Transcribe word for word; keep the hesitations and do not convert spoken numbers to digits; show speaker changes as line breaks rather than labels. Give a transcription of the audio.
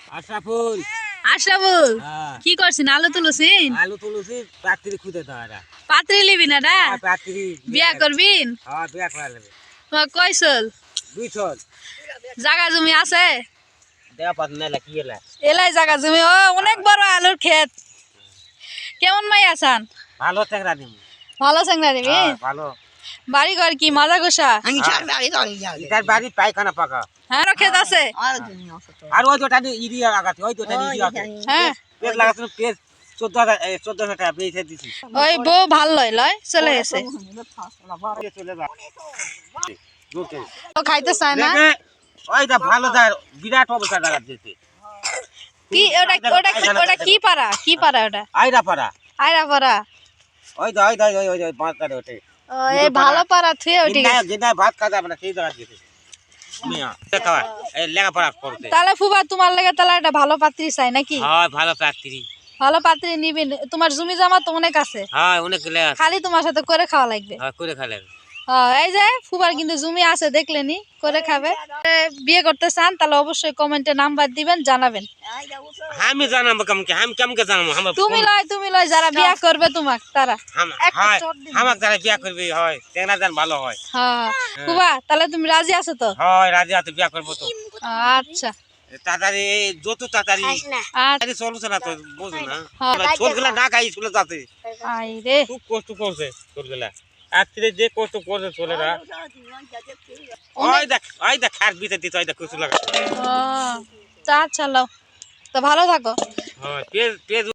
আশরাফুল
আশরাফুল
হ্যাঁ
কি করছিস আলু তুলছিস
আলু তুলছি পাত্রী খুঁজে তো এরা
পাত্রী লিবি না রা
হ্যাঁ পাত্রী
বিয়া করবিন
হ্যাঁ বিয়া করা যাবে
তোমার কয়সল
দুই ছল
জায়গা জমি আছে
দেয়া পাত মেলা কি এলা
এলাই জায়গা জমি ও অনেক বড় আলুর ক্ষেত কেমন মাই আছেন
ভালো চেংরা দিমু
ভালো সাংরা দিবি
হ্যাঁ ভালো
বাড়ি ঘর কি মাজা গোসা
ইটার বাড়ি পায়খানা পাকা
হ্যাঁ আরো ক্ষেত আছে
আর ওই দুটা ইরিয়া লাগাতে ওই দুটা ইরিয়া আছে
হ্যাঁ
পেজ লাগাতে পেজ চোদ্দ হাজার চোদ্দশো টাকা পেয়েছে দিছি
ওই বউ ভাল লয় লয় চলে গেছে
চলে যা জোকে
ও খাইতে চায় না
দেখে ওইটা ভালো যায় বিরাট অবস্থা লাগা দিয়েছে
কি ওটা ওটা কি ওটা কি পারা কি পারা ওটা
আইরা পাড়া
আয়রা পারা
ওই তো ওই তো ওই ওই ওই পাঁচ কাটে ওঠে
ও এই ভালো পারা থুয়ে উঠে
যেটা
গেছে
যেটা ভাত খাওয়া যাবে না সেই জায়গা দিয়েছে মিয়া খাওয়া এই লেখাপড়া করতে
তাহলে ফুবা তোমার লাগে তাহলে একটা ভালো পাত্রী চাই নাকি
হয় ভালো পাত্রী
ভালো পাত্রী নিবি তোমার জমি জমা তো অনেক আছে
হয় অনেক লেখা
খালি তোমার সাথে করে খাওয়া লাগবে
হয় করে খালে
হ্যাঁ এই যে ফুবার কিন্তু জমি আছে দেখলেনি করে খাবে এ, বিয়ে করতে চান তাহলে অবশ্যই কমেন্টে নাম্বার দিবেন জানাবেন
আমি জানাবো কেমন আমি কেমন জানাবো আমার
তুমি লয় তুমি লয় যারা বিয়ে করবে তোমাক তারা একটা
হয়
চট দিবি।
আমার যারা বিয়া করবে হয় চেংরা যান ভালো হয়
হ্যাঁ ফুবা তাহলে তুমি রাজি আছো তো
হয় রাজি আছে বিয়া করবো তো
আচ্ছা
তাড়াতাড়ি যত তাড়াতাড়ি
আচ্ছা
চলছে না তো বুঝো না
হ্যাঁ।
ছোটগুলা না খাই স্কুলে যাচ্ছে
আই রে
খুব কষ্ট করছে ছোটগুলা আজকে যে কষ্ট করছে ছোলেরা ওই দেখ ওই দেখ খাট ভিতরে দিতে ওই দেখ কচু লাগা
ও তা চলো তো ভালো থাকো
হয় পেজ পেজ